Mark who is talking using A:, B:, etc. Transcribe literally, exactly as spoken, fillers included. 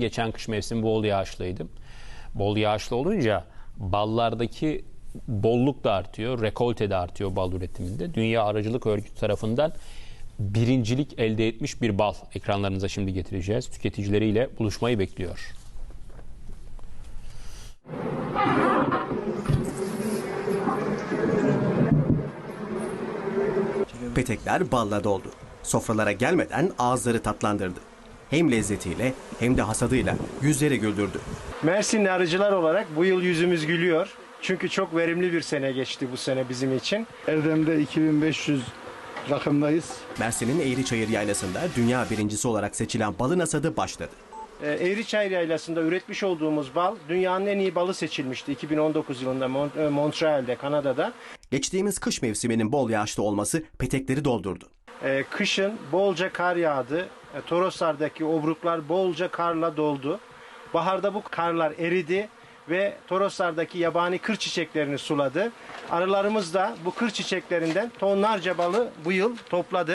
A: geçen kış mevsimi bol yağışlıydı. Bol yağışlı olunca ballardaki bolluk da artıyor, rekolte de artıyor bal üretiminde. Dünya Arıcılık Örgütü tarafından birincilik elde etmiş bir bal ekranlarınıza şimdi getireceğiz. Tüketicileriyle buluşmayı bekliyor.
B: Petekler balla doldu. Sofralara gelmeden ağızları tatlandırdı. Hem lezzetiyle hem de hasadıyla yüzleri güldürdü.
C: Mersinli arıcılar olarak bu yıl yüzümüz gülüyor. Çünkü çok verimli bir sene geçti bu sene bizim için.
D: Erdem'de iki bin beş yüz rakımdayız.
B: Mersin'in Eğriçayır Yaylası'nda dünya birincisi olarak seçilen balın hasadı başladı.
C: Ee, Eğriçayır Yaylası'nda üretmiş olduğumuz bal dünyanın en iyi balı seçilmişti iki bin on dokuz yılında Mont- Montreal'de, Kanada'da.
B: Geçtiğimiz kış mevsiminin bol yağışlı olması petekleri doldurdu.
C: Ee, kışın bolca kar yağdı. Ee, Toroslar'daki obruklar bolca karla doldu. Baharda bu karlar eridi ve Toroslar'daki yabani kır çiçeklerini suladı. Arılarımız da bu kır çiçeklerinden tonlarca balı bu yıl topladı.